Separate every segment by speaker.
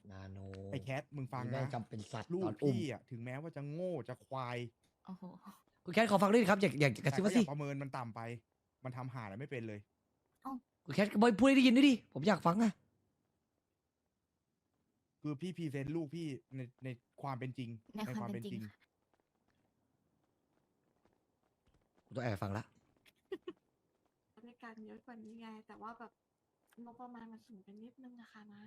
Speaker 1: นาโน
Speaker 2: ไอ้แคทมึงฟัง
Speaker 1: แม่
Speaker 2: นะ
Speaker 1: งจำเป็นสัตว์
Speaker 2: ลู
Speaker 1: ต
Speaker 2: ก
Speaker 1: อนอุ้ม
Speaker 2: พี่อ่ะถึงแม้ว่าจะโง่จะควาย
Speaker 3: โอ้โห
Speaker 1: คุณแคทขอฟังด้วยครับอยากกระ
Speaker 2: แต่
Speaker 1: ซิบ
Speaker 2: ก็
Speaker 1: มา
Speaker 2: อย่า
Speaker 1: สิ
Speaker 2: ประเมินมันต่ำไป มันทำหาอะไรไม่เป็นเลย
Speaker 1: คุณแคทบอยพูดให้ได้ยินด้วยดิผมอยากฟังอะ
Speaker 2: คือพี่พรีเซนต์ลูกพี่ในความเป็นจริง
Speaker 3: ในความเป็นจริง
Speaker 1: ผมต้องแอบฟังละ
Speaker 4: บริการเยอะกว่านี้ไง แต่ว่าแบบงบประมาณมันสูงไปนิดนึงนะคะนะ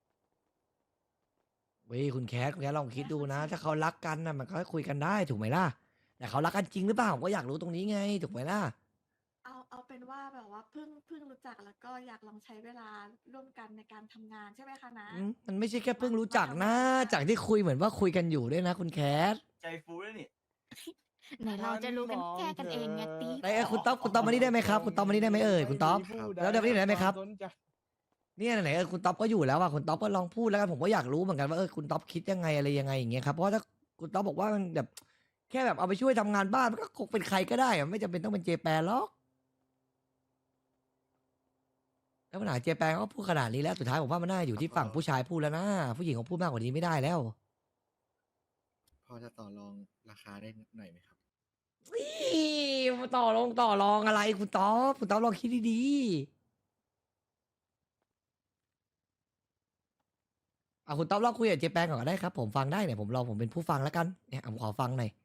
Speaker 1: เว้ยคุณแคทลองคิดดูนะ ถ้าเขารักกันนะมันก็คุยกันได้ถูกไหมล่ะแต่เขารักกันจริงหรือเปล่าผมก็อยากรู้ตรงนี้ไงถูกไหมล่ะ
Speaker 4: เอาเป็นว่าแบบว่าเพิ่งรู้จักแล้วก็อยากลองใช้เวลาร่วมกันในการทำงานใช่ไหมคะนะ
Speaker 1: มันไม่ใช่แค่เพิ่งรู้จักนะ จากที่คุยเหมือนว่าคุยกันอยู่ด้วยนะคุณแคท
Speaker 5: ใจฟูแล้วนี่
Speaker 3: ไหนเราจะรู้กันแค่กันเองไงตี
Speaker 1: ไอ้คุณต๊อบมานี่ได้ไหมครับคุณต๊อบมานี่ได้ไหมเอ่ยคุณต๊อบ แล้วเดี๋ยวนี้ได้ไหมครับ เนี่ยไหนคุณต๊อบก็อยู่แล้วอะคุณต๊อบก็ลองพูดแล้วกันผมก็อยากรู้เหมือนกันว่าคุณต๊อบคิดยังไงอะไรยังไงอย่างเงี้ยครับเพราะว่าถ้าคุณต๊อบบอกว่ามันแบบแค่แบบเอาไปช่วยทำงานบ้านมันก็คงเป็นใครก็ได้อะไม่จำเป็นต้องเป็นเจแปนหรอกแล้วปัญหาเจแปนเขาก็พูดขนาดนี้แล้วสุดท้ายผมว่ามันน่าอยู่ที่ฝั่งผู้ชายพูดแล้วนะผู้หญิงเขาพูดมากกว่านี้ไม่ได้แล้ว
Speaker 5: พอจะต่อรองราคาได้หน่อยไหมครับ
Speaker 1: มาต่อรองอะไรคุณต๊อบลองคิดดีๆคุณต๊อบลองคุยกับเจแปนก่อนก็ได้ครับผมฟังได้เนี่ยผมเป็นผู้ฟังแล้วกันเนี่ยผมขอฟังหน่อย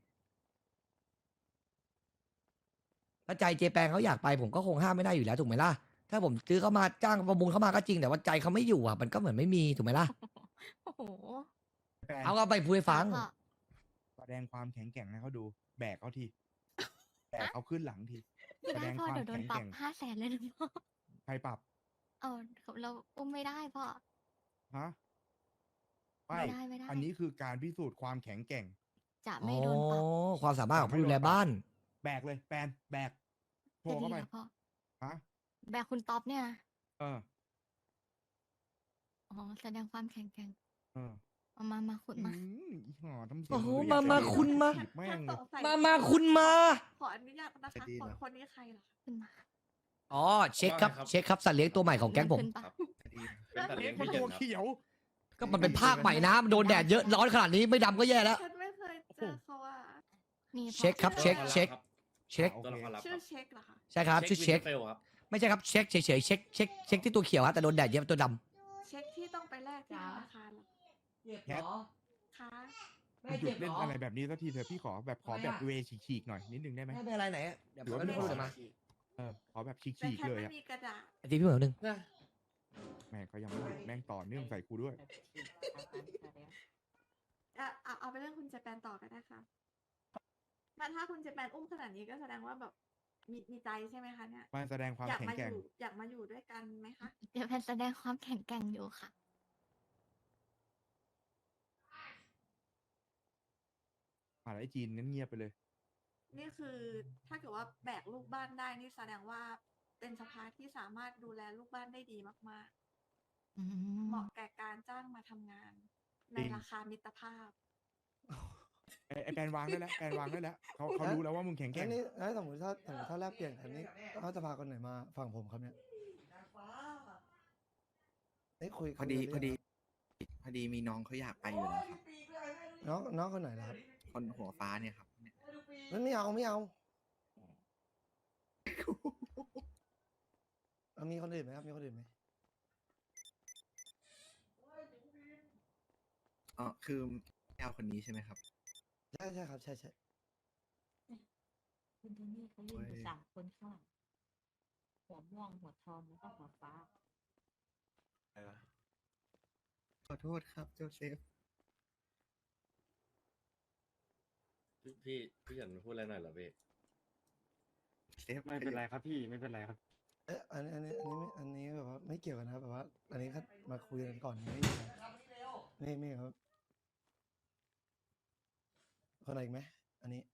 Speaker 1: ถ้าใจเจแปนเขาอยากไปผมก็คงห้ามไม่ได้อยู่แล้วถูกไหมล่ะถ้าผมซื้อเขามาจ้างประมูลเขามาก็จริงแต่ว่าใจเขาไม่อยู่อ่ะมันก็เหมือนไม่มีถูกไหมล่ะ
Speaker 3: โอ้โห
Speaker 2: แปน
Speaker 1: เอาก็ไปพูดให้ฟัง
Speaker 3: พ่อ
Speaker 2: แสดงความแข็งแกร่งให้เขาดู แบกเขาที แบกเขาขึ้นหลังที
Speaker 3: ไม่
Speaker 2: แสด
Speaker 3: ได้
Speaker 2: ง
Speaker 3: พ่อ
Speaker 2: ความ
Speaker 3: เดี๋ยวโดน
Speaker 2: แข็ง
Speaker 3: ป
Speaker 2: แก
Speaker 3: รับ
Speaker 2: ร่ง
Speaker 3: 500,000เลยนะพ่อ
Speaker 2: ใครปรับ
Speaker 3: เอาเราอุ้มไม่ได้พ่อ
Speaker 2: ฮะ
Speaker 3: ไม่ได้
Speaker 2: อันนี้คือการพิสูจน์ความแข็งแกร่ง
Speaker 3: จะไม่โดนปรับ
Speaker 1: ความสามารถของผู้ดูแลบ้าน
Speaker 2: แบกเลยแปนแบกโผ
Speaker 3: จะ
Speaker 2: ล่
Speaker 3: ดี
Speaker 2: เข้าไป
Speaker 3: แล้วพ่อ
Speaker 2: ฮะ
Speaker 3: แบกคุณต๊อบเนี่ยนะ
Speaker 2: เออ
Speaker 3: อ๋อแสดงความแข็งแกร่ง
Speaker 2: เออ
Speaker 3: มาขุดมา
Speaker 2: อีห่อทำเสียง
Speaker 1: โอ้โห
Speaker 2: เหน
Speaker 1: มา
Speaker 2: เรียก
Speaker 1: คุณมา
Speaker 2: ถีบแม่งเลย
Speaker 1: มาคุณมา
Speaker 4: ขออนุญาตนะคะ
Speaker 5: จะดีเหรอ
Speaker 4: คนนี้ใครเหรอคะ
Speaker 3: ขึ้นมา
Speaker 1: อ๋อเช็คครับเช็คครับสัตว์เลี้ยงตัวใหม่ของแก๊งผม
Speaker 3: ขึ้นปะ
Speaker 5: เป็นตัดเลี้ยง
Speaker 2: มัน
Speaker 5: พี่เย็น
Speaker 2: ตัว
Speaker 5: ครับ
Speaker 2: เขียว
Speaker 1: ก็มันเป็นภาคใหม่นะมันโดนแดดเยอะร้อนขนาดนี้ไม่ดำก็แย่แล้ว
Speaker 4: ฉันไม่เคยเจอเขาอะ
Speaker 3: นี่พ่อ
Speaker 1: เช็คครับเช็ค
Speaker 2: โอ
Speaker 1: เช็ค
Speaker 2: โอ
Speaker 5: ตัว
Speaker 2: เค
Speaker 5: ละครลับ
Speaker 4: ชื่อเช็คเหรอคะ
Speaker 1: ใช่ครับชื่อเช็ค
Speaker 5: เฟลครับ
Speaker 1: ไม่ใช่ครับเช็คเฉยๆเช็คที่ตัวเขียวฮะแต่โดนแดดเยอะตัวด
Speaker 4: เช็คที่ต้องไปแลกที่ธนาคารเหรอ
Speaker 1: ำ
Speaker 2: แคท
Speaker 4: คะ
Speaker 2: หยุดเล่นอะไรแบบนี้สักทีเถอะพี่ขอแบบเวฉีกๆหน่อยนิดนึงได้ไหม
Speaker 1: ไม่เป็นไรไหนอะเดี๋ยว
Speaker 2: หรือว่า
Speaker 1: ไม่พูดเดี๋ยวมา
Speaker 2: ขอแบบฉี
Speaker 4: แต่
Speaker 2: ก
Speaker 4: แค่
Speaker 2: ๆเลย
Speaker 4: ไม่
Speaker 2: อะ
Speaker 4: มีกระดาษ
Speaker 1: ไอ้ที่พี่เหมือนหนึ่ง
Speaker 2: แม่งเขายังไม่หยุดแม่งต่อเนื่องใส่กูด้วย
Speaker 4: เอาไปเรื่องคุณเจแปนต่อก็ได้ค่ะถ้าคุณเจแปนอุ้มขนาดนี้ก็แสดงว่าแบบมีใจใช่ไหมคะเนี่ย
Speaker 2: มาแสดงความ
Speaker 4: อยาก
Speaker 2: แข็ง
Speaker 4: มา
Speaker 2: แก
Speaker 4: อ
Speaker 2: ร่ง
Speaker 4: ยู่อยากมาอยู่ด้วยกันไหมคะ
Speaker 3: เดี๋ยวแพนแสดงความแข็งแกร่งอยู่ค่ะ
Speaker 2: ไอ้จีนนั้นเงียบไปเลย
Speaker 4: นี่คือถ้าเกิดว่าแบกลูกบ้านได้นี่แสดงว่าเป็นสภาที่สามารถดูแลลูกบ้านได้ดีมาก
Speaker 3: อื
Speaker 4: ๆ
Speaker 3: ม
Speaker 4: เหมาะแก่การจ้างมาทำงาน ใน
Speaker 2: จริง
Speaker 4: ราคามิตรภาพ
Speaker 2: ไอ้แปนวางได้แล้วแปนวางได้แล้วเขารู้แล้วว่ามึงแข็งแกร่ง
Speaker 6: นี่แล้วสมมติถ้าแลกเปลี่ยนอันนี้เขาจะพาคนไหนมาฝั่งผมครับเนี่ยนี่คุย
Speaker 5: พอดี
Speaker 6: คุยกัน
Speaker 5: พอดีมีน้องเขาอยากไปอยู่นะครับ
Speaker 6: น้องคนไหนล่ะครับ
Speaker 5: คนหัวฟ้าเนี่ยครับ
Speaker 6: ไม่เอามีคนอื่นไหมครับมีคนอื่นไหม
Speaker 5: อ๋อคือแอลคนนี้ใช่ไหมครับ
Speaker 6: ใช่ครับใช่
Speaker 7: คุณโทนี่เขายืนอยู่3 คนข้างหลังหัวม่วงหัวทองแล้วก็หัวฟ้า
Speaker 5: ขอโทษครับโจเซฟ
Speaker 8: พี่ฉันพูดอะไรหน่อยเหรอพี่
Speaker 5: เซฟ
Speaker 8: ไม่เป็นไรครับพี่ไม่เป็นไรครับ
Speaker 6: เอ๊ะอันนี้แบบว่าไม่เกี่ยวกันนะครับแบบว่า อันนี้ก็มาคุยกันก่อนไม่ครับคนไหนอีกไหมอันนี้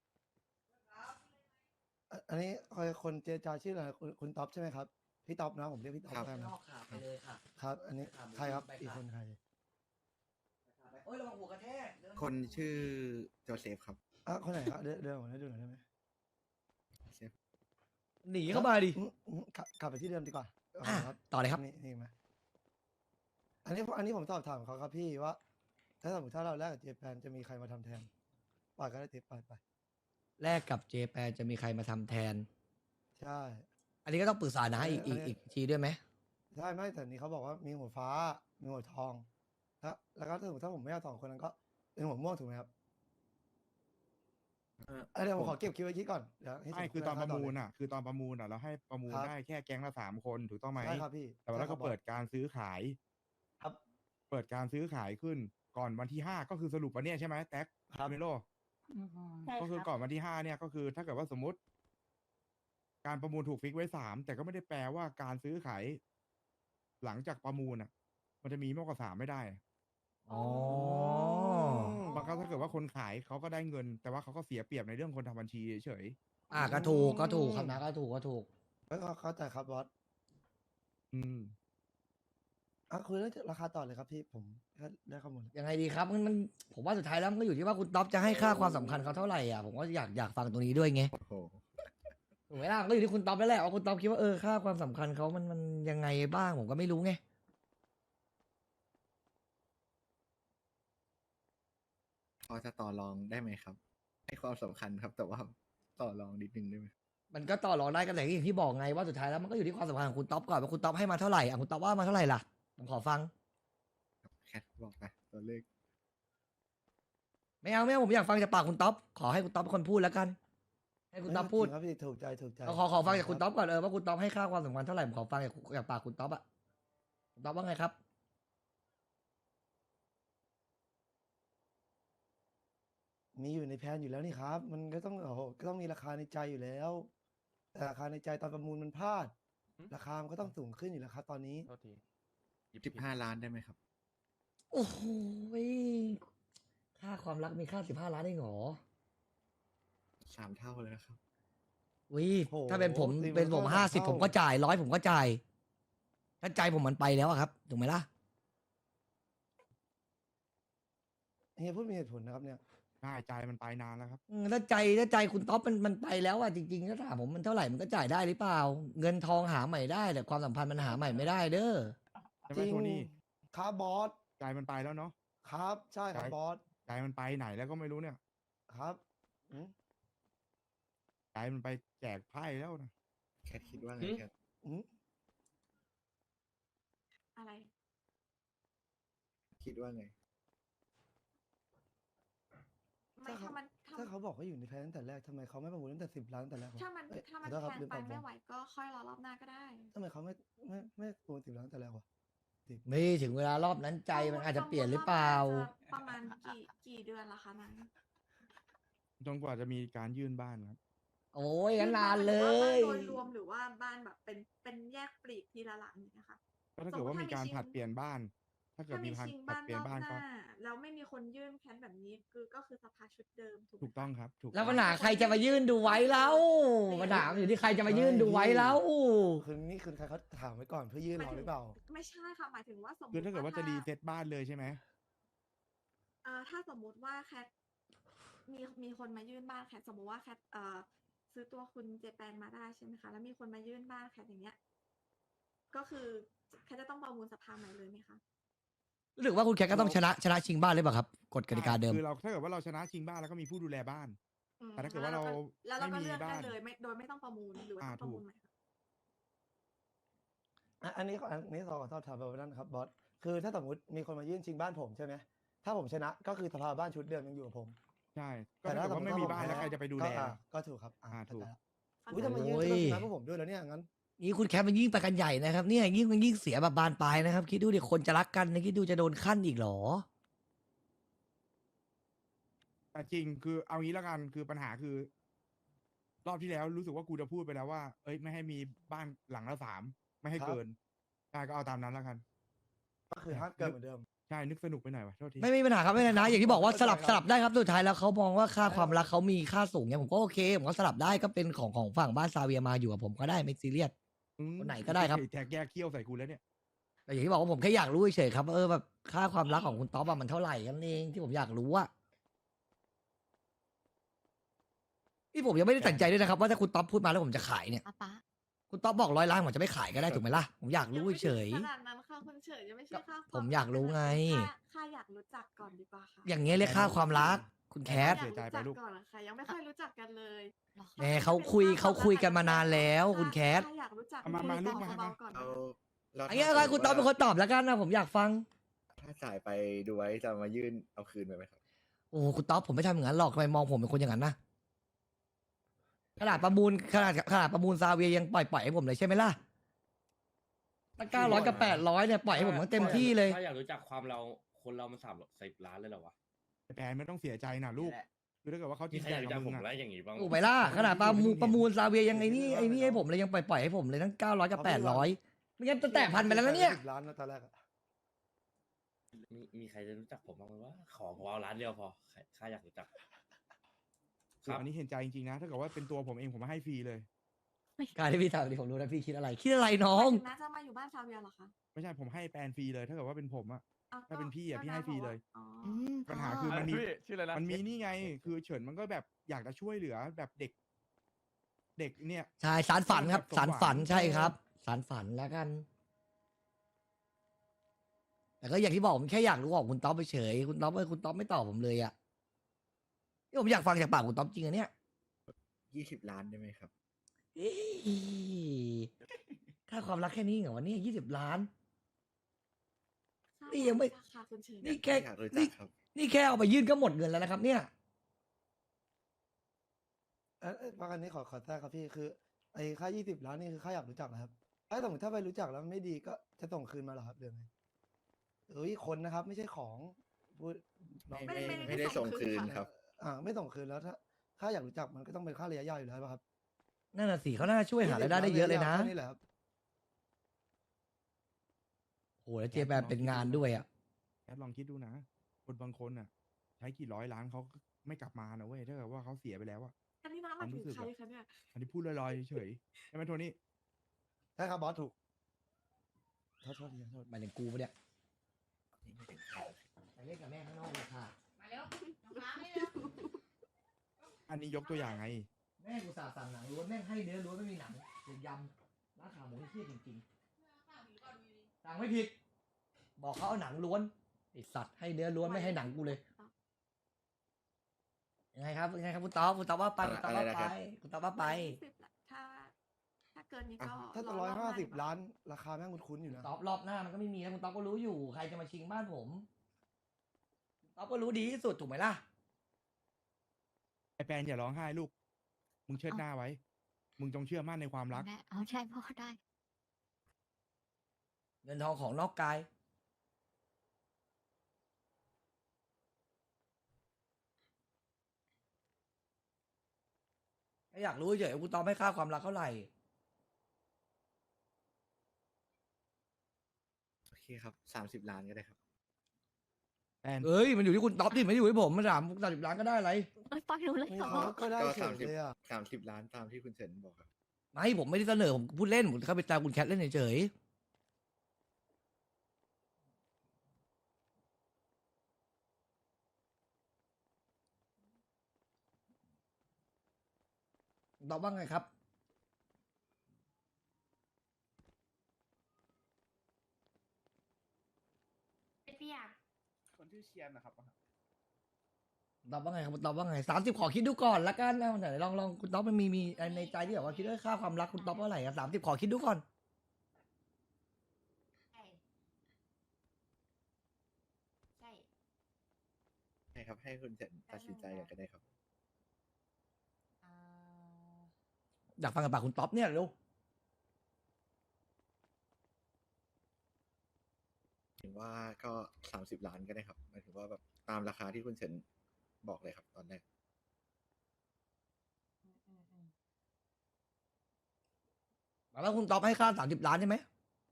Speaker 6: อันนี้คนเจรจาชื่ออะไรคุณต๊อบใช่ไหมครับพี่ต๊อบนะผมเรียกพี่ต๊อบแล้วกันนะ
Speaker 1: ไปเลยค่ะ
Speaker 6: ครับ อันนี้ใครครับอีกคนใคร
Speaker 1: โอ้ยระวังหัวกระแทก
Speaker 5: คนชื่อโจเซฟครับ
Speaker 6: คนไหนครับเดินผมให้ดูหน่อยได้ไหม
Speaker 5: เซฟ
Speaker 1: หนีเข้ามาดิ
Speaker 6: กลับไปที่เดิมดีกว่า
Speaker 1: อ่ะ
Speaker 6: ครับ
Speaker 1: ต่อเลยครับ
Speaker 6: นี่มาอันนี้ผมสอบถามเขาครับพี่ว่า ถ้าสมมติถ้าเราแลกกับเจแปนจะมีใครมาทำแทนปล่อยก็ได้ติ๊บไป
Speaker 1: แลกกับเจแปนจะมีใครมาทำแทน
Speaker 6: ใช่
Speaker 1: อันนี้ก็ต้องปรึกษานะอีกทีด้วยไหม
Speaker 6: ใช่ไม่แต่นี้เขาบอกว่ามีหัวฟ้า มีหัวทองแล้วก็ถ้าสมมติถ้าผมไม่เอา2 คนนั้นก็เป็นหัวม่วงถูกไหมครับเดี๋ยวผมขอเก็บคิดไว้คิดก่อนเดี๋ยวให้
Speaker 2: ไม่
Speaker 6: ถึง
Speaker 2: คือตอนประมูล
Speaker 6: เลย
Speaker 2: อ่ะ คือตอนประมูลอ่ะเราให้ประมูล
Speaker 6: ครับ
Speaker 2: ได้แค่แก๊งละ3 คนถูกต้องไหม
Speaker 6: ใช่ครับพี่
Speaker 2: แต่ว่าเราก็
Speaker 6: ใช่ครับ
Speaker 2: เปิดการซื้อขาย
Speaker 6: ครับ
Speaker 2: เปิดการซื้อขายขึ้นก่อนวันที่ 5ก็คือสรุปวันเนี้ยใช่ไหมแท็ก
Speaker 6: ครับ
Speaker 2: เมโล
Speaker 7: ใช่
Speaker 2: ก็คือ
Speaker 7: ครับ
Speaker 2: ก่อนวันที่ 5เนี่ยก็คือถ้าเกิดว่าสมมติ การประมูลถูกฟิกไว้3แต่ก็ไม่ได้แปลว่าการซื้อขายหลังจากประมูลอ่ะ มันจะมีมากกว่า3ไม่ได้
Speaker 1: อ๋อ
Speaker 2: บางครั้งถ้าเกิดว่าคนขายเขาก็ได้เงิน แต่ว่าเขาก็เสียเปรียบในเรื่องคนทำบัญชีเฉย
Speaker 1: ก็ถูกครับนะก็ถูก
Speaker 6: แล้วก็เข้าใจครับบอส
Speaker 2: ๆอืม
Speaker 6: คุยเรื่องราคาต่อเลยครับพี่ผมก็ได้ข้อมูลแล้ว
Speaker 1: ยังไงดีครับมันผมว่าสุดท้ายแล้วมันก็อยู่ที่ว่าคุณต๊อบจะให้ค่าความสำคัญเขาเท่าไหร่อ่ะผมก็อยากฟังตรงนี้ด้วยไง
Speaker 5: โอ้โห
Speaker 1: ถูกไหมล่ะมันก็อยู่ที่คุณต๊อบแล้วแหละว่าคุณต๊อบคิดว่าค่าความสำคัญเขามันยังไงบ้างผมก็ไม่รู้ไง
Speaker 5: พอจะต่อรองได้ไหมครับ ให้ความสำคัญครับ แต่ว่าต่อรองนิดนึงได้ไหม
Speaker 1: มันก็ต่อรองได้กันแต่อย่างที่บอกไงว่าสุดท้ายแล้วมันก็อยู่ที่ความสำคัญของคุณต๊อบก่อนว่าคุณต๊อบให้มาเท่าไหร่คุณต๊อบว่ามาเท่าไหร่ล่ะผมขอฟัง
Speaker 5: แคทบอกไปตัวเลข
Speaker 1: ไม่เอาผมอยากฟังจากปากคุณต๊อบขอให้คุณต๊อบเป็นคนพูดแล้วกัน ให้คุณต๊อบพูด
Speaker 6: จริงครับพี่ถูกใจ
Speaker 1: ขอฟังจากคุณต๊อบก่อนว่าคุณต๊อบให้ค่าความสำคัญเท่าไหร่ผมขอฟังจากปากคุณต๊อบอะคุณต๊อบว่าไงครับ
Speaker 6: มีอยู่ในแผนอยู่แล้วนี่ครับ มันก็ต้องก็ต้องมีราคาในใจอยู่แล้ว แต่ราคาในใจตอนประมูลมันพลาด ราคามันก็ต้องสูงขึ้นอยู่แล้วครับตอนนี้
Speaker 5: 15 ล้านได้ไหมครับ
Speaker 1: โอ้โหค่าความรักมีค่า15 ล้านได้เหรอ
Speaker 5: 3 เท่าเลยนะครับ
Speaker 1: วิ
Speaker 6: โอ้โห
Speaker 1: ถ้าเป็นผม
Speaker 6: ตีมัน
Speaker 1: เป็นผม
Speaker 6: ก็
Speaker 1: 50
Speaker 6: เท่า
Speaker 1: ผมก็จ่าย100ผมก็จ่ายถ้าใจผมมันไปแล้วอะครับถูกไหมล่ะ
Speaker 6: เฮียพูดมีเหตุผลนะครับเนี่ย
Speaker 2: ได้ใจมันไปนานแล้วครับ
Speaker 1: ถ้าใจคุณต๊อบมันไปแล้วอะจริงๆถ้าถามผมมันเท่าไหร่มันก็จ่ายได้หรือเปล่า เงินทองหาใหม่ได้แต่ความสัมพันธ์มันหาใหม่ไม่ได้เด้อ
Speaker 2: ใช่ไห
Speaker 6: จ
Speaker 2: ม
Speaker 6: ริง
Speaker 2: โทนี่
Speaker 6: ครับบอส
Speaker 2: ใจมันไปแล้วเนาะ
Speaker 6: ครับใช่ครับ
Speaker 2: ใช่
Speaker 6: บอส
Speaker 2: ใจมันไปไหนแล้วก็ไม่รู้เนี่ย
Speaker 6: ครับอืม
Speaker 2: ใจมันไปแจกไพ่แล้วนะ
Speaker 5: แคทคิดว่าไงแคท
Speaker 6: อืม
Speaker 4: อะไร
Speaker 5: คิดว่าไง
Speaker 4: ไม่ถ้ามัน
Speaker 6: ถ้าเขาบอกว่าอยู่ในแผนตั้งแต่แรกทำไมเขาไม่ประมูลตั้งแต่10 ล้านตั้งแต่แรกวะ
Speaker 4: ถ้ามัน
Speaker 6: เอ้ย
Speaker 4: ถ้ามัน
Speaker 6: ขอโทษครับ
Speaker 4: แพง
Speaker 6: ลืม
Speaker 4: ไป
Speaker 6: ตอบ
Speaker 4: ไม่
Speaker 6: ผม
Speaker 4: ไหวก็ค่อยรอรอบหน้าก็ได้
Speaker 6: ทำไมเขาไม่ประมูล10 ล้านตั้งแต่แรกวะ
Speaker 1: ไม่ถึงเวลารอบนั้นใจมันอาจจะเปลี่ยนหรือเปล่า
Speaker 4: ประมาณกี่เดือนละคะนั้น
Speaker 2: จนกว่าจะมีการยื่นบ้านครับ
Speaker 1: โอ้ยงั้นนานเล
Speaker 4: บ้าน
Speaker 1: ย
Speaker 4: โดยรวมหรือว่าบ้านแบบเป็นแยกปลีกทีละหลังอย่างเงี้ยค่ะ
Speaker 2: ก็ถ้าเกิดว่ามีการผลัดเปลี่ยนบ้าน ถ้าเกิด
Speaker 4: ถ้า
Speaker 2: มี
Speaker 4: มี
Speaker 2: การ
Speaker 4: ชิง
Speaker 2: ผลัด
Speaker 4: บ้าน
Speaker 2: เปลี่ย
Speaker 4: ร
Speaker 2: น
Speaker 4: อบ
Speaker 2: บ้าน
Speaker 4: ห
Speaker 2: ก็
Speaker 4: น้าแล้วไม่มีคนยื่นแค้นแบบนี้ก็คือสภาชุดเดิมถูกไหม
Speaker 2: ถูกต้องครับ ถูก
Speaker 1: แล้ว
Speaker 2: ต้
Speaker 1: ปั
Speaker 2: อ
Speaker 1: ญ
Speaker 2: ง
Speaker 1: หาใครจะมายื่นดูไว้แล้วปัญหามันอยู่ที่ใครจะมายื่นดูไว้แล้ว
Speaker 6: คือนี่คือใครเขาถามไว้ก่อนเพื่อยื่นรอหรือเปล่า
Speaker 4: ไม่ใช่ค่ะหมายถึงว่าสมมติ
Speaker 2: คือถ้าเกิดว่าจะรีเซ็ตบ้านเลยใช่ไหม
Speaker 4: ถ้าสมมุติว่าแคทมีคนมายื่นบ้านแคทสมมติว่าแคทซื้อตัวคุณเจแปนมาได้ใช่ไหมคะแล้วมีคนมายื่นบ้านแคทอย่างเงี้ยก็คือแคทจะต้องประมูลสภาใหม่เลยไหมคะ
Speaker 1: รู้สึกว่าคุณแคทก็ต้องชนะชิงบ้านเลยเปล่าครับกฎกติกาเดิม
Speaker 2: คือเราถ้าเกิดว่าเราชนะชิงบ้านแล้วก็มีผู้ดูแลบ้าน แต่ถ้าเกิดว่าเรา
Speaker 4: แล้วเราก็
Speaker 2: ไม่มี
Speaker 4: เลือกได้
Speaker 2: บ้าน
Speaker 4: เลยโดยไม่ต้องประมูลหรือว่าต้องประมูล
Speaker 2: ถูก
Speaker 4: ใหม่คะ
Speaker 6: อันนี้ขอสอบถามแบบนั้นครับบอส คือถ้าสมมติมีคนมายื่นชิงบ้านผมใช่ไหม ถ้าผมชนะก็คือสภาบ้านชุดเดิมยังอยู่กับผม
Speaker 2: ใช่ก็ถ้าเกิดว่าไม่มีบ้านแล้วใครจะไปดูแล
Speaker 6: ก็ถูกครับ
Speaker 2: ถูก
Speaker 6: อุ้ยทำไมยื่น
Speaker 1: โอ้ย
Speaker 6: ก็ชนะพวกผมด้วยแล้วเนี่ยงั้น
Speaker 1: นี่คุณแคทมันยิ่งไปกันใหญ่นะครับเนี่ยยิ่งเสียแบบบานปลายนะครับคิดดูดิคนจะรักกันนะคิดดูจะโดนขั้นอีกเหรอ
Speaker 2: แต่จริงคือเอางี้แล้วกันคือปัญหาคือ รอบที่แล้วรู้สึกว่ากูจะพูดไปแล้วว่า เอ้ยไม่ให้มีบ้านหลังละ3ไม่ให้
Speaker 6: ครับ
Speaker 2: เกินใช่ก็เอาตามนั้นแล้วกัน
Speaker 6: ก็คือห้ามเกินเหมือนเดิม
Speaker 2: ใช่นึกสนุกไปหน่อยวะโทษที
Speaker 1: ไม่มีปัญหาครับไม่เป็นไรนะอย่างที่บอกว่า
Speaker 6: เข้าใจ
Speaker 1: สลับได้ครับสุดท้ายแล้วเขามองว่าค่าความรักเขามีค่าสูงเนี่ยผมก็โอเคผมก็สลับได้ก็เป็นของฝั่งบ้านซาเวียมาอยู่กับผมก็ได้ไม่ซีเรียส คนไหนก็ได้ครับ
Speaker 2: แท็กแยกเขี้ยวใส่กูแล้วเนี่ย
Speaker 1: แต่อย่างที่บอกว่าผมแค่อยากรู้เฉยๆครับว่าแบบค่าความรักของคุณต๊อบอะมันเท่าไหร่กันเองที่ผมอยากรู้อะที่ผมยังไม่ได้ตัดสินใจด้วยนะครับว่าถ้าคุณต๊อบพูดมาแล้วผมจะขายเนี่ย
Speaker 3: ป๊าป๊า
Speaker 1: คุณต๊อบบอก100 ล้านผมจะไม่ขายก็ได้ถูกไหมล่ะผมอยากรู้เฉย
Speaker 4: ขนาดนั้นค่ะคุณเฉินยังไม่ใช่ค่าคว
Speaker 1: ผมอยากรู้ไง
Speaker 4: ค่าอยากรู้จักก่อนดีกว่าค่ะ
Speaker 1: อย่างเงี้ยเรียกค่าความรัก คุณแคท
Speaker 4: อยากรู้จักก่อนนะคะยังไม่ค่อยรู้จักกันเลย
Speaker 1: แหมเขาคุยกันมานานแล้วคุณแคท
Speaker 4: ถ้าอยากรู้จัก
Speaker 2: มามา
Speaker 4: คุย
Speaker 2: ลู
Speaker 4: กั
Speaker 2: ก
Speaker 4: น
Speaker 2: มา
Speaker 4: เบาๆก่อน
Speaker 5: เรา
Speaker 4: นะ
Speaker 1: อันนี้อะไรคุณตอบเป็นคนตอบแล้วกันนะผมอยากฟัง
Speaker 5: ถ้าจ่ายไปดูไว้จะมายื่นเอาคืนไปไหมครับ
Speaker 1: โอ้โหคุณต๊อบผมไม่ทำอย่างนั้นหรอกทำไมมองผมเป็นคนอย่างนั้นนะขนาดประมูลซาเวียยังปล่อยให้ผมเลยใช่ไหมล่ะตั้ง900 กับ 800เนี่ยปล่อยให้ผมตั้งเต็มที่เลย
Speaker 8: ถ้าอยากรู้จักความเราคนเรามัน30 ล้านเลยเหรอวะ
Speaker 2: ไอ้แปนไม่ต้องเสียใจนะลูกคือถ้าเกิดว่าเขาจ
Speaker 8: มี
Speaker 2: ริง
Speaker 8: ใคร
Speaker 2: ใจ
Speaker 8: อยากรู้
Speaker 2: กั
Speaker 8: จั
Speaker 2: บ
Speaker 8: ก
Speaker 2: มึ
Speaker 8: ผ
Speaker 2: ง
Speaker 8: ม
Speaker 2: อะ
Speaker 8: แล้วอย่างงี้บ้าง
Speaker 1: ถูกไหมล่ะขนาดประมูลซาเวียยังไอ้นี่ให้ผมเลยยังปล่อยให้ผมเลยตั้ง900 กับ 800ไม่งั้นจะแตะพันไปแล้วนะเนี่ย
Speaker 6: 10 ล้านนะตอนแรกอะ
Speaker 8: มีใครจะรู้จักผมบ้างไหมวะขอผมเอาล้านเดียวพอข้าอยากรู้จัก
Speaker 2: คืออันนี้เห็นใจจริงๆนะ ถ้าเกิดว่าเป็นตัวผมเองผมมาให้ฟรีเลย
Speaker 1: การที่พี่ทำนี่ผมรู้นะพี่คิดอะไรน้อง
Speaker 4: น่าจะมาอยู่บ้านซาเวียเหรอคะ
Speaker 2: ไม่ใช่ผมให้แปนฟรีเลย ถ้าเกิดว่าเป็นผมอะ
Speaker 4: อ้ว
Speaker 2: ถ้าเป็นพี่อะ
Speaker 4: ก็
Speaker 2: พี่ให้ฟรีเลย
Speaker 4: อ๋อ
Speaker 2: ปัญหาคือมันมี
Speaker 9: ชื่ออะไรนะ
Speaker 2: มันมีนี่ไง คือเฉินมันก็แบบอยากจะช่วยเหลือแบบเด็ก เด็กเนี่ย
Speaker 1: ใช่สารฝันครับ
Speaker 2: สมหวัง
Speaker 1: สารฝันใช่ครับ สารฝันแล้วกัน แต่ก็อย่างที่บอกผมแค่อยากรู้ของคุณต๊อบไปเฉยคุณต๊อบไม่ตอบผมเลยอะนี่ผมอยากฟังจากปากคุณต๊อบจริงอะเนี่ย
Speaker 5: 20 ล้านได้ไหมครับ
Speaker 1: เอ้ยค่าความรักแค่นี้เหรอวะเนี่ย20 ล้าน นี่ยังไม่
Speaker 4: ค่ะคุณเฉิน
Speaker 1: นี่แค่
Speaker 5: อยากรู้จั
Speaker 1: นี่
Speaker 5: กครับ
Speaker 1: นี่แค่เอาไปยื่นก็หมดเงินแล้วนะครับ เนี่ย
Speaker 6: ประกันนี้ขอแทรกครับพี่คือไอ้ค่า 20 ล้านนี่คือค่าอยากรู้จักนะครับถ้าสมมติถ้าไปรู้จักแล้วไม่ดีก็จะส่งคืนมาเหรอครับเรื่องไงเอ้ยคนนะครับไม่ใช่ของพูดน้อง
Speaker 5: ไม่ได้ส่งคืนครับ
Speaker 6: ไม่ส่งคืนแล้วถ้าค่าอยากรู้จักมันก็ต้องเป็นค่าระยะยาวอยู่แล้วป่ะครับ
Speaker 1: นั่นน่ะสิเขาน่าช่วยหารายได้ได้เยอะเลยนะ
Speaker 6: แค่นี่แหละครับ
Speaker 1: โอ้โหแล้วเจแปนเป็นงานด้วยอ่ะ
Speaker 2: แอดลองคิดดูนะ คนบางคนอ่ะ ใช้กี่ร้อยล้านเขาก็ไม่กลับมานะเว้ย ถ้าเกิดว่าเขาเสียไปแล้วอะ
Speaker 4: อันนี้น้ำมันถึงใครคะเนี่ย
Speaker 2: อันนี้พูดลอยๆเฉยๆใช่ไหมโทนี่
Speaker 6: ใช่ครับบอสถูกโทษทีโทษ
Speaker 1: หมายถึงกูปะเนี่ยไปเล่นกับแม่ข้างนอกเลยค่ะ
Speaker 7: มาเร็วน้องฟ้าไม่เร็ว
Speaker 2: อันนี้ยกตัวอย่างไง
Speaker 1: แม่กูสาสั่งหนังล้วนแม่งให้เนื้อล้วนไม่มีหนังเดี๋ยวยำร้านขาหมูที่เที่ยจริงๆสั่งไม่ผิด บอกเขาเอาหนังล้วนไอสัตว์ให้เนื้อล้วนไม่ให้หนังกูเลยยังไงครับคุณต๊อบว่าไปคุณต๊อบว่า
Speaker 5: อะไรนะค
Speaker 1: ไป
Speaker 5: รับ
Speaker 1: คุณต๊อบว่าไป
Speaker 4: 120ละถ้าเกินนี้ก็
Speaker 6: ถ้าจะ
Speaker 4: รอบหน้
Speaker 6: 150 ล้านราคาแม่งคุ้นๆอยู่นะ
Speaker 1: ต๊อบรอบหน้ามันก็ไม่มีแล้วคุณต๊อบก็รู้อยู่ใครจะมาชิงบ้านผมต๊อบก็รู้ดีที่สุดถูกไหมล่ะ
Speaker 2: ไอแปนอย่าร้องไห้ลูก มึงเชิดหน้าไว้ มึงจงเชื่อมั่นในความรัก
Speaker 3: ได้เอาใช่พ่อได้
Speaker 1: เงินทองของนอกกายแค่อยากรู้เฉยๆคุณต๊อบให้ค่าความรักเท่าไหร่
Speaker 5: โอเคครับ 30 ล้านก็ได้ครับ
Speaker 2: แปน
Speaker 1: เอ้ยมันอยู่ที่คุณต๊อบดิไม่ได้อยู่ที่ผมมัน30 ล้านก็ได้อะไร
Speaker 3: เอ้ยปล่อยหนูเลยเหรอ
Speaker 6: ก็ได้
Speaker 5: ก็
Speaker 6: เฉยเลยอ่ะ
Speaker 5: 30 ล้านตามที่คุณเฉินบอกครับ
Speaker 1: ไม่ผมไม่ได้เสนอผมพูดเล่นผมเข้าไปตามคุณแคทเล่นเฉยๆตอบว่าไงครับ
Speaker 7: เปียก
Speaker 9: คนที่อเชียนนะครับ
Speaker 1: ตอบว่าไงครับตอบว่าไง30ขอคิดดูก่อนละกันนะไหนลองคุณต๊อบมันมีในใจที่แบบว่าคิดว่าค่าความรักคุณต๊อบว่าเท่าไหร่ครับ30ขอคิดดูก่อน
Speaker 7: ใช่ใช่
Speaker 5: ให้ครับ ให้คุณเฉินตัดสินใจกันก็ได้ครับ
Speaker 7: อ่า
Speaker 1: อยากฟังกับปากคุณต๊อบเนี่ยเร็ว
Speaker 5: ถึงว่าก็ 30 ล้านก็ได้ครับหมายถึงว่าแบบตามราคาที่คุณเฉินบอกเลยครับตอนแรก
Speaker 1: แล้วคุณต๊อบให้ค่า30 ล้านใช่ไหม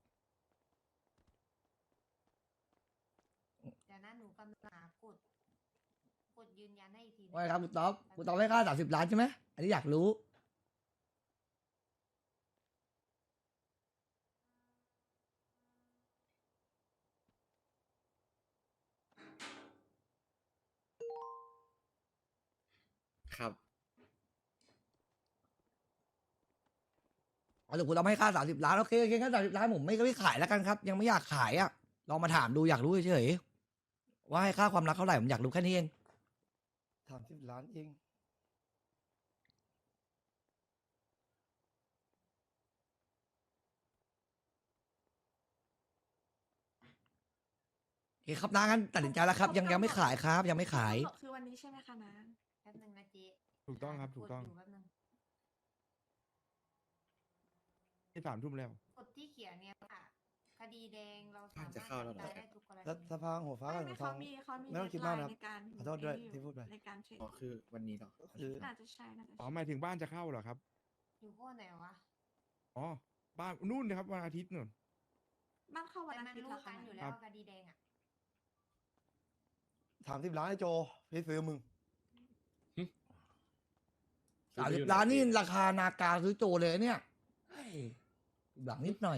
Speaker 7: เดี๋ยวนะหนูกำลังหากดยืนยันให้อีกที
Speaker 1: ว่าไงครับคุณต๊อบให้ค่า30 ล้านใช่ไหมอันนี้อยากรู้
Speaker 5: ครับ
Speaker 1: หรือคุณต้องให้ค่า30 ล้านโอเคโอเคค่า30 ล้านผมไม่ขายแล้วกันครับ ยังไม่อยากขายอ่ะลองมาถามดูอยากรู้เฉยๆว่าให้ค่าความรักเท่าไหร่ผมอยากรู้แค่นี้เอง
Speaker 6: 30 ล้านเอง
Speaker 1: โอเคครับน้างั้นตัดสินใจแล้วครับ ยังไม่ขายครับ ยังไม่ขาย
Speaker 4: คือวันนี้ใช่ไหมคะนะ
Speaker 7: แป๊บนึงนะเจ๊
Speaker 2: ถูกต้องครับถูกต้อง
Speaker 7: ดยู่แป๊บนึง
Speaker 2: ที่3 ทุ่มแล้ว
Speaker 7: กฎที่เขียนเนี่ยค่ะ คดีแดงเราสามารถ
Speaker 5: จะเข้าแล้วเหรอ
Speaker 7: จับได้ทุกกรณี
Speaker 6: แล้วสภาหัวฟ้ากับหัวทอง
Speaker 4: เขามี
Speaker 6: ไม่ต้องคิดมากนะครับ
Speaker 4: ในการ
Speaker 6: ขอโทษด้วย
Speaker 4: ไอ้นี่
Speaker 6: ที่พูดไป
Speaker 4: ในการเทรด
Speaker 5: อ๋อคือวันนี้เหรอ
Speaker 6: คือ
Speaker 4: น่าจะใช่น่าจะ
Speaker 2: อ๋อ
Speaker 4: ใช่
Speaker 2: หมายถึงบ้านจะเข้าเหรอครับ
Speaker 7: อยู่พวกไหนวะ
Speaker 2: อ๋อ บ้านนู่นนะครับวันอาทิตย์นู่น
Speaker 4: บ้านเข้าวัน
Speaker 7: แต่
Speaker 4: อา
Speaker 7: มัน
Speaker 4: ทิตย์
Speaker 7: รู้
Speaker 4: เหรอ
Speaker 7: กั
Speaker 4: คะ
Speaker 7: นอยู่
Speaker 4: นะ
Speaker 7: แล้วคดีแดงอ่ะ
Speaker 6: 30 ล้านไอ้โจพี่ซื้อมึง
Speaker 1: 30 ล้านนี่ราคานากาซื้อโจเลยเนี่ยเฮ้ยหลังนิดหน่อย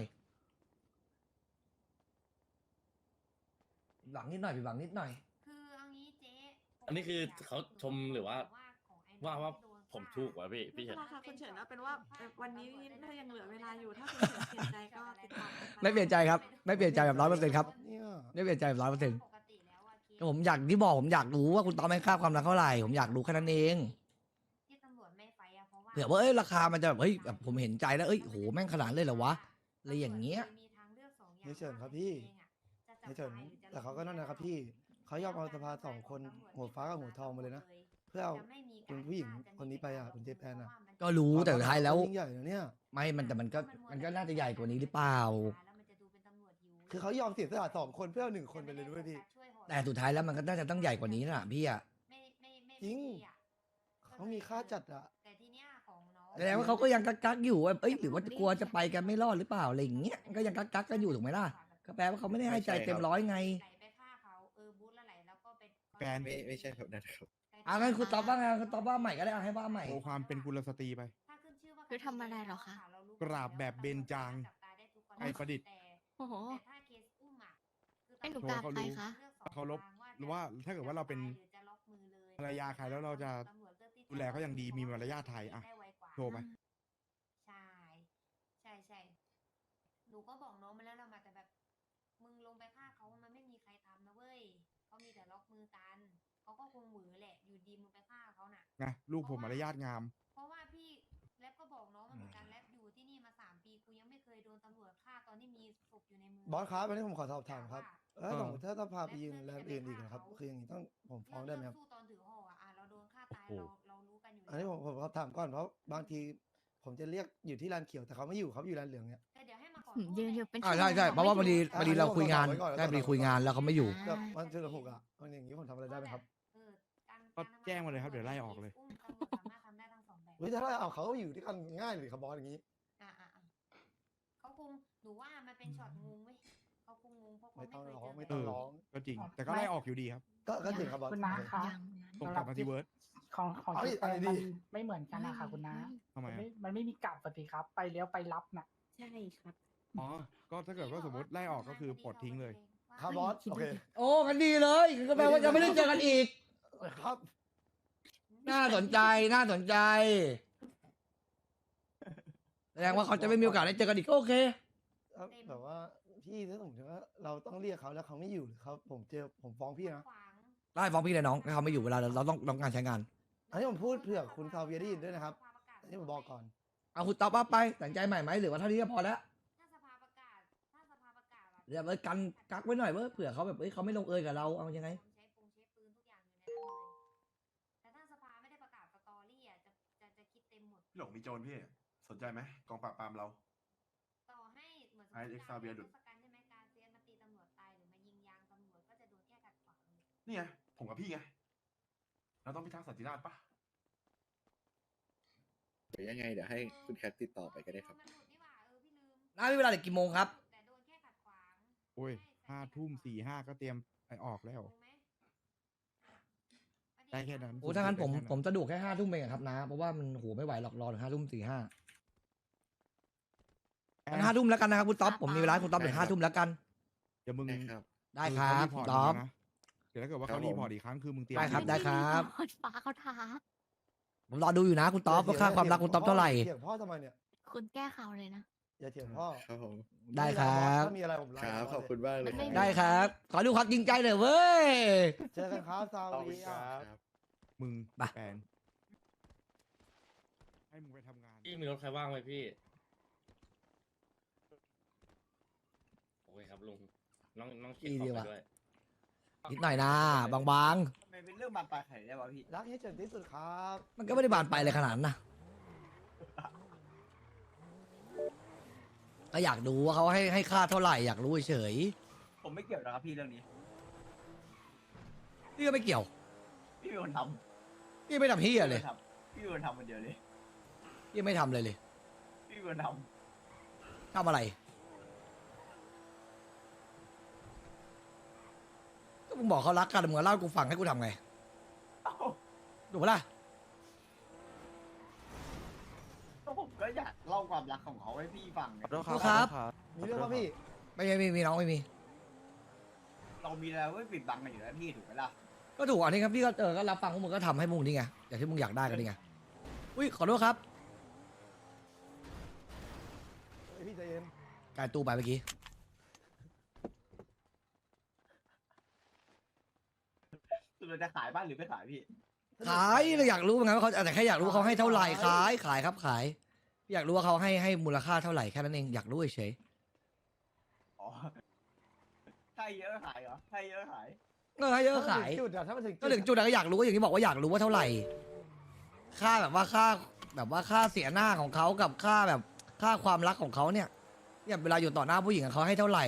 Speaker 1: หลังนิดหน่อยหลังนิดหน่อย
Speaker 7: คือเอางี้เจ๊
Speaker 8: อันนี้คือเขาชมหรือว่า
Speaker 7: ของไอ้
Speaker 8: ว่า
Speaker 7: โดน
Speaker 8: ผมถูกวะพี่
Speaker 4: ไม่
Speaker 8: เห็
Speaker 4: เป็น
Speaker 8: น
Speaker 4: ไรค่ะคุณเฉินเอาเป็นว่าวันนี้ถ้ายังเหลือเวลาอยู่ถ้าคุณเฉินเปลี่ยนใจก็ติดต่อกันมา
Speaker 1: ไม่เปลี่ยนใจครับ ไม่เปลี่ยนใจแบบ100%ครับ
Speaker 6: เนี่ย
Speaker 1: ไม่เปลี่ยนใจแบบ100%
Speaker 7: ปกติแล้วอะเคส
Speaker 1: ก็ผมอยากที่บอกผมอยากรู้ว่าคุณตอมให้ค่าความรักเท่าไหร่ผมอยากรู้แค่นั้นเอง
Speaker 7: ที่ตำรวจไม่ไฟอะเพราะว่า
Speaker 1: เผื่อว่าเอ้ยราคามันจะแบบเฮ้ยแบบผมเห็นใจแล้วเอ้ยโหแม่งขนาดนั้นเลยเหรอวะอะไรอย่างเงี้ย
Speaker 7: มีทางเลือกสองอย่าง
Speaker 6: นี่เฉินครับพี่
Speaker 7: จะจับ
Speaker 6: นี่เฉิน
Speaker 7: ตายหรือจะ
Speaker 6: แต่เขาก็นั่นนะครับพี่เขายอมเอาสภา2 คนหัวฟ้ากับหัวทองมาเลยนะ เพื่อเอา
Speaker 7: จะไม่มี
Speaker 6: คุณผู้หญิงคนนี้ไปอ่ะคุณเจแปนอ่ะ
Speaker 1: ก็รู้แต่สุดท้ายแล้ว
Speaker 6: ยิ่งใหญ่นะเนี่ย
Speaker 1: ไม่มันแต่มันก็น่าจะใหญ่กว่านี้หรือเปล่า
Speaker 6: คือเขายอมเสียสละ2 คนเพื่อเอา1 คนไปเลยด้วยพี่
Speaker 1: แต่สุดท้ายแล้วมันก็น่าจะต้องใหญ่กว่านี้นะพี่อะ
Speaker 6: จริง เขามีค่าจัดอ่ะ
Speaker 7: แต่ทีเนี้ยของน้อง
Speaker 1: แสดงว่าเขาก็ยังกักอยู่ว่าเอ้ยหรือว่ากลัวจะไปกันไม่รอดหรือเปล่าอะไรอย่างเงี้ยก็ยังกักกันอยู่ถูกไหมล่ะก็แปลว่าเขาไม่ได้ให้ใจเต็มร้อยไง
Speaker 7: ไหลไปฆ่าเขาบูธแล้วไหลแล้วก็ไป
Speaker 2: แฟน
Speaker 5: ไม่ใช่แบบนั้นครับ
Speaker 1: งั้นคุณตอบว่าไงคุณตอบว่าใหม่ก็ได้เอาให้ว่าใหม่
Speaker 2: โชว์ความเป็นกุลสตรีไป
Speaker 7: ถ้าขึ้นชื่อว่า
Speaker 3: คือทำอะไรเหรอคะ
Speaker 2: กราบแบบเบญจางไทยประดิษฐ์
Speaker 3: โอ้โห
Speaker 7: แต่ถ้าเคสอุ้มอะคือ
Speaker 3: ให้หนู
Speaker 2: โชว์
Speaker 3: กราบ
Speaker 2: เขา
Speaker 3: ใคร
Speaker 2: รู้
Speaker 3: คะ
Speaker 2: เคารพหรือว่าถ้าเกิดว่าเราเป็นภรรยาใครแล้วเราจะดูแลเขาอย่างดีมีมารยาทไทยอะโชว์ไป
Speaker 7: ใช่ใช่หนูก็บอกน้องมาแล้วเรามาแต่แบบ มึงลงไปฆ่าเขามันไม่มีใครทำนะเว้ยเขามีแต่ล็อกมือกันเขาก็คงหวือแหละอยู่ดีมึงไปฆ่าเขาน่ะ
Speaker 2: ไงลูกผมมารยาทงาม
Speaker 7: เพราะว่าพี่แล็บก็บอกน้องมาเหมือนกันแล็บอยู่ที่นี่มา3 ปีกูยังไม่เคยโดนตำรวจฆ่าตอนที่มีศพอยู่ในมือบ
Speaker 6: อสครับอันนี้ผมขอสอบถามครับ
Speaker 2: เออ
Speaker 6: สมมติถ้าพาไปยืนแลนด์อื่นอีกนะครับ คืออย่างนี้ต้องผมฟ้องได้ไหมครับ
Speaker 7: สู้ตอนถือห่ออ่ะเราโดนฆ่าตาย
Speaker 2: โอ้โห
Speaker 7: เรารู้กันอยู่
Speaker 6: อันนี้ผมขอถามก่อนเพราะบางทีผมจะเรียกอยู่ที่ลานเขียวแต่เขาไม่อยู่ครับอยู่ลานเหลืองเนี่ย
Speaker 7: แต่เดี๋ยวให้มาขอ
Speaker 3: ยืนอยู่เป็น
Speaker 1: ใช่ใช่เพราะว่าพอดี
Speaker 6: อ่ะ
Speaker 1: เราคุยงาน
Speaker 6: ไว้ก่อน
Speaker 1: ใช่พอดีคุยงานแล้วเขาไม่อยู่
Speaker 6: แบบมันเจอหกอ่ะมันอย่างนี้ผมทำอะไรได้ไหมครับ
Speaker 2: ก็แจ้งมาเลยครับเดี๋ยวไล่ออกเลย
Speaker 7: ตำรวจสามารถทำได้ทั้งสองแบบ
Speaker 6: เฮ้ยถ้าเราเอาเขาอยู่ด้วยกันง่ายเลยครับบอสอย่างนี้
Speaker 7: เขาคงหนูว่ามันเป็นช็อตงงเว้ยเขาคงงงเพราะเขา
Speaker 6: ไม่ต้อง
Speaker 7: เคย
Speaker 6: ร้อง
Speaker 7: เจ
Speaker 6: ไม่
Speaker 7: แบ
Speaker 6: ต้อบ ง
Speaker 2: เออ
Speaker 6: ร้อง
Speaker 2: ก็จริง แต่ก็ไล่ออกอยู่ดีครับ
Speaker 6: ก็จริงครับบอส
Speaker 9: คุณน้าคะ
Speaker 3: ยัง
Speaker 2: ส่งกลับมาที่เวิร์ด
Speaker 9: ของ
Speaker 6: เอาดิ
Speaker 9: ที่แปล
Speaker 6: เอาดิ
Speaker 9: มันไม่เหมือนกันนะคะคุณน้า
Speaker 2: ทำไม
Speaker 9: มัน
Speaker 2: อะ
Speaker 9: ไม่มีกลับปฏิครับ ไปเลี้ยวไปรับน่ะ
Speaker 3: ใช่ครับ
Speaker 2: อ๋อ ก็ถ้าเกิดว่าสมมติไล่ออกก็คือปลดทิ้งเลย
Speaker 6: ครับบอสโอเค
Speaker 1: โอ้กันดีเลยก็แปลว่าจะไม่ได้เจอกันอีก
Speaker 6: ครับ
Speaker 1: น่าสนใจน่าสนใจแสดงว่าเขาจะไม่มีโอกาสได้เจอกันอีกก็โอเค
Speaker 6: แบบว่าพี่ถ้าสมมติว่าเราต้องเรียกเขาแล้วเขาไม่อยู่หรือเขาผมฟ้องพี่นะ
Speaker 1: ได้ฟ้องพี่เลยน้องถ้าเขาไม่อยู่เวลาเราต้องการใช้งาน
Speaker 6: อันนี้ผมพูดเผื่อคุณซาเวียได้ยินด้วยนะครับอันนี้ผมบอกก่อน
Speaker 1: เอาคุณตอบว่าไปตัดสินใจใหม่ไหมหรือว่าเท่านี้ก็พอแล้ว
Speaker 7: ถ้าสภาประกาศอะ
Speaker 1: เดี๋ยวกันกักไว้หน่อยเผื่อเขาแบบเขาไม่ลงเอยกับเราเอายังไง
Speaker 7: ใช้ปืนทุกอย่างอยู่ในนั้นเลยแต่ถ้าสภาไม่ได้ประกาศสตอรี่อ่ะจะคิดเต็มหมด
Speaker 10: พี่หลงมีโจรพี่ สนใจไหมกองปราบปรามเรา
Speaker 7: ต่อให้เหมือน
Speaker 10: ไอ้เอ็กซ์ซาเวียร์ดุ
Speaker 7: ทศกัณฐ์ใช่ไหมการเซียนมาตีตำรวจตายหรือมายิงยางตำรวจก็จะโดนแค่ขัดขวางเลย
Speaker 10: นี่ไง ผมกับพี่ไง เราต้องพิทักษ์สันติราษฎร์ปะ
Speaker 5: เดี๋ยวยังไงเดี๋ยวให้คุณแคทติดต่อไปก็ได้ครับ
Speaker 7: มันหลุดนี่หว่าพี่ลืม
Speaker 1: น้ามีเวลาเหลือกี่โมงครับ
Speaker 7: แต่โดนแค่ขัดขวาง
Speaker 2: โอ้ย5 ทุ่ม 45ก็เตรียมไปออกแล้ว
Speaker 7: งงไหม
Speaker 2: ได้แค่นั้น
Speaker 1: โอ้ถ้างั้นผม
Speaker 2: ได้แค่นั้น
Speaker 1: ผมสะดวกแค่5 ทุ่มเองอะครับนะเพราะว่ามันโหไม่ไหวหรอกรอถึง5 ทุ่ม 45งั้น5 ทุ่มแล้วกันนะครับคุณต๊อบผมมีเวลาให้คุณต๊อบถึง5 ทุ่มแล้วกัน
Speaker 2: เดี๋ยวมึง
Speaker 5: ได้ครับ
Speaker 1: ได้ครับ
Speaker 2: เขา
Speaker 1: คุณ
Speaker 2: รีพ
Speaker 1: ต๊อบ
Speaker 2: นะเดี๋ยวถ้าเกิดว่า
Speaker 5: ครั
Speaker 2: เขา
Speaker 5: บผม
Speaker 2: รีพอร์ตอีกครั้งคือมึงเตรียม
Speaker 1: ได้ครับ
Speaker 2: ตัว
Speaker 1: ได้ครับ
Speaker 3: ฟ้าเขาท้า
Speaker 1: ผมรอดูอยู่นะคุณต๊อบว่าค่าความรักคุณต๊อบเท่าไหร่
Speaker 6: เถียงพ่อทำไมเนี่ย
Speaker 3: คุณแก้ข่าวเลยนะ
Speaker 6: อย่าเถียงพ่อ
Speaker 5: ครับผม
Speaker 1: ได้ครับ
Speaker 6: ถ้ามีอะไรผมไลน์
Speaker 5: ครับ
Speaker 6: มา
Speaker 5: ขอบคุณมากเลย
Speaker 3: ไม่
Speaker 1: ได้ครับ ขอดูความจริงใจหน่อยเว้ย
Speaker 6: เจอกันครับซา
Speaker 5: ขอบคุ
Speaker 6: วี
Speaker 5: ณครับ
Speaker 2: มึง
Speaker 1: ไป
Speaker 2: แปลงให้มึงไปทำงาน
Speaker 8: พี่มีรถใครว่างไหมพี่โอเคครับลุงน้องเขียนขอบไปด้วย
Speaker 1: นิดหน่อยนะบาง
Speaker 11: มันเป็นเรื่องบานปลายไข่ได้ป่ะพี่
Speaker 6: รักให้เฉินที่สุดครับ
Speaker 1: ๆ มันก็ไม่ได้บานไปเลยขนาดนั้นนะก็อยากดูว่าเขาให้ค่าเท่าไหร่อยากรู้เฉย
Speaker 11: ผมไม่เกี่ยวนะครับพี่เรื่องนี้
Speaker 1: ๆพี่ก็ไม่เกี่ยว
Speaker 11: พี่เป็นคนท
Speaker 1: พี่ไม่ทำเฮี
Speaker 11: ำ
Speaker 1: ยเลย
Speaker 11: พี่เป็นคนทำคนเดียวเลย
Speaker 1: พี่ไม่ทำเลย
Speaker 11: พี่เป็นคนท
Speaker 1: ทำอะไรก็มึงบอกเขารักกันมึงเล่าให้กูฟังให้กูทำไง
Speaker 11: ำเอ้า
Speaker 1: ถูกปะล่ะ
Speaker 11: ก็ผมก็อยากเล่าความรักของเขาให้พี่ฟังไง
Speaker 1: ขอโทษครับ
Speaker 6: มีเรื่องป่ะพี่
Speaker 1: ไม่มีน้องไม่มี
Speaker 11: เรามีอะไรไว้ปิดบังกันอยู่แล้วพี่ถูกไหมล่ะ
Speaker 1: ก็ถูกอันนี้ครับพี่ก็ก็รับฟังพวกมึงก็ทำให้มึงนี่ไงอย่างที่มึงอยากได้กันนี่ไงอุ้ยขอโทษครับ
Speaker 6: เฮ้ยพี่ใจเย็น
Speaker 1: การตู้ไปเมื่อกี้
Speaker 11: สุดเราจะขายบ้านหรือไม่ขายพี่
Speaker 1: ขายเลยอยากรู้เหมือนกันว่าเขาแต่แค่อยากรู้ว่าเขาให้เท่าไหร่ขายครับขายอยากรู้ว่าเขาให้มูลค่าเท่าไหร่แค่นั้นเองอยากรู้เฉย
Speaker 11: อ๋อถ้าเยอะขายเหรอถ้าเยอะขาย
Speaker 1: ให้เยอะขาย
Speaker 6: ถ้มันถึงจุดอะถ้ามันถึง
Speaker 1: ก็ถึงจุดนั้นก็อยากรู้ก็อย่างที่บอกว่าอยากรู้ว่าเท่าไหร่ ค่าแบบว่าค่าเสียหน้าของเขากับค่าแบบค่าความรักของเขาเนี่ยเวลาอยู่ต่อหน้าผู้หญิงเขาให้เท่าไหร่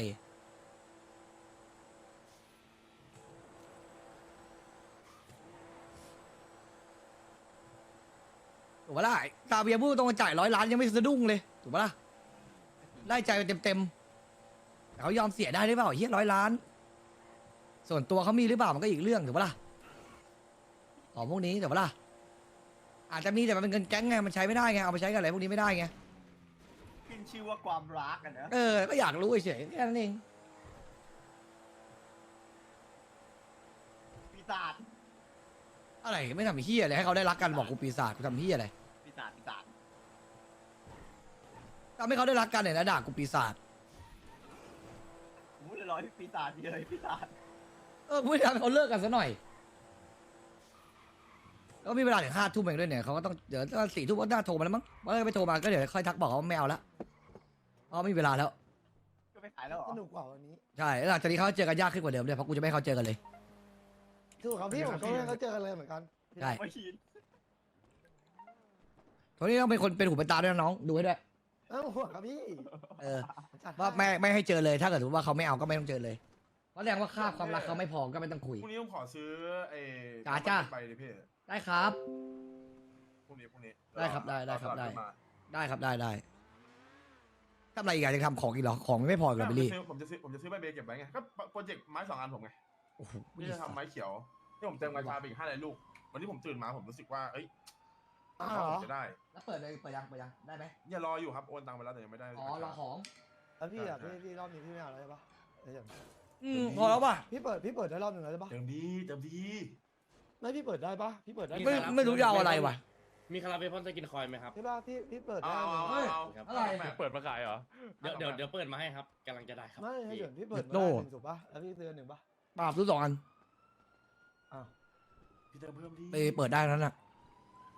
Speaker 1: ถูกปะล่ะตาเบียร์พูดตรงจ่าย100 ล้านยังไม่สะดุ้งเลยถูกปะล่ะได้ใจไปเต็มแต่เขายอมเสียได้หรือเปล่าเฮีย100 ล้าน ส่วนตัวเขามีหรือเปล่ามันก็อีกเรื่องถูกปะล่ะของพวกนี้ถูกปะล่ะอาจจะมีแต่มันเป็นเงินแก๊งไงมันใช้ไม่ได้ไงเอาไปใช้กับอะไรพวกนี้ไม่ได้ไง
Speaker 11: ขึ้นชื่อว่าความรักกันนะ
Speaker 1: ก็อยากรู้เฉยๆแค่นั้นเอง
Speaker 11: ปีศาจ
Speaker 1: อะไรไม่ทำเฮียอะไรให้เขาได้รักกันบอกกูปีศาจกูทำเฮียอะไร
Speaker 11: ปีศาจปีศาจ
Speaker 1: ทำให้เขาได้รักกันเนี่ยนะด่ากูปีศาจ
Speaker 11: ผมพูดลอยๆปีศาจเลยปีศาจ
Speaker 1: กูไม่ได้ทำให้เขาเลิกกันซะหน่อยแล้วก็มีเวลาถึง5 ทุ่มเองด้วยเนี่ยเขาก็ต้องเดี๋ยว4 ทุ่มก็น่าโทรมาแล้วมั้งว่าไม่โทรมาก็เดี๋ยวค่อยทักบอกเขาว่าไม่เอาละเพราะไม่มีเวลาแล้ว
Speaker 11: ก็ไม่ขายแล้วเหรอ
Speaker 6: สนุกกว่าวันนี้
Speaker 1: ใช่แล้วหลังจากนี้เขาเจอกันยากขึ้นกว่าเดิมเลยเพราะกูจะไม่ให้เขาเจอกันเลย
Speaker 6: ถูกครับพี่ผมก็ไม่ให้เขาเจอกันเลยเหมือนกัน
Speaker 1: ใช่
Speaker 11: ไม่ชิน
Speaker 1: ตอนนี้ต้องเป็นคนเป็นหูเป็นตาด้วยนะน้องดูให้ด้วย
Speaker 6: ห่วงครับพี่ จัดให้
Speaker 1: ว่าไม่ให้เจอเลยถ้าเกิดว่าเขาไม่เอาก็ไม่ต้องเจอเลยเพราะแสดงว่าค่าความรักเขาไม่พอก็ไม่ต้องคุย
Speaker 10: พรุ่งนี้ผมขอซื้อ
Speaker 1: จ้า
Speaker 10: ไปเลยพี่
Speaker 1: ได้ครับ
Speaker 10: พรุ่งนี้
Speaker 1: ได้ครับได้ครับ
Speaker 10: เอาสลั
Speaker 1: ได้
Speaker 10: ขึ้นมา
Speaker 1: ได้ครับได้ทำอะไรอีกอะจะทำของอีกเหรอของไม่พออีกเหรอบิลลี่
Speaker 10: ผมจะซื้อใบเบย์เก็บไว้ไงก็โปรเจกต์ไม้2 อันผมไง
Speaker 1: โอ้โห
Speaker 10: ที่จะทำไม้เขียวที่ผมเติมกระชาไปอีก500 ลูกวันที่ผมตื่นมาผมรู้สึกว่าเอ้ย
Speaker 6: อ้าวเหรอ
Speaker 10: ผมจะได้
Speaker 1: แล้วเปิดเลยเปิดยังได้ไหม
Speaker 10: อย่ารออยู่ครับโอนตังค์ไปแล้วแต่ยังไม่ได้
Speaker 1: อ๋อรอของ
Speaker 6: แล้วพี่อะพี่รอบนี้พี่ไม่เอาแล้วใช่ปะเดี๋ยว
Speaker 1: พอแล้วป่ะ
Speaker 6: พี่เปิดได้รอบหนึ่งแล้วใช่ปะ
Speaker 10: เต็มดี
Speaker 6: ไม่พี่เปิดได้ปะพี่เปิดได้
Speaker 1: ไม่รู้จะเอาอะไรว่ะ
Speaker 8: มีคาราเบลพ่นสกินคอยไหมครับ
Speaker 6: ใช่ปะพี่เปิด
Speaker 10: เอา
Speaker 6: ได้
Speaker 10: เอา
Speaker 6: หนึ่ง
Speaker 10: เอา
Speaker 1: อะไร
Speaker 10: เปิดมาขายเหรอ
Speaker 8: เดี๋ยวเปิดมาให้ครับกำลังจะได้ครับ
Speaker 6: ไม่ให้
Speaker 8: พี่
Speaker 6: เดี๋ยวพี่เปิดมา
Speaker 1: โน่
Speaker 6: ได้หนึ่งถูกปะแล้วพี่ซื้อหนึ่งปะ
Speaker 1: ปราบซื้อ2 อัน
Speaker 6: อ้าว
Speaker 10: พี่เติมเพิ่มดี
Speaker 1: ไปเปิดได้นั้นน่ะ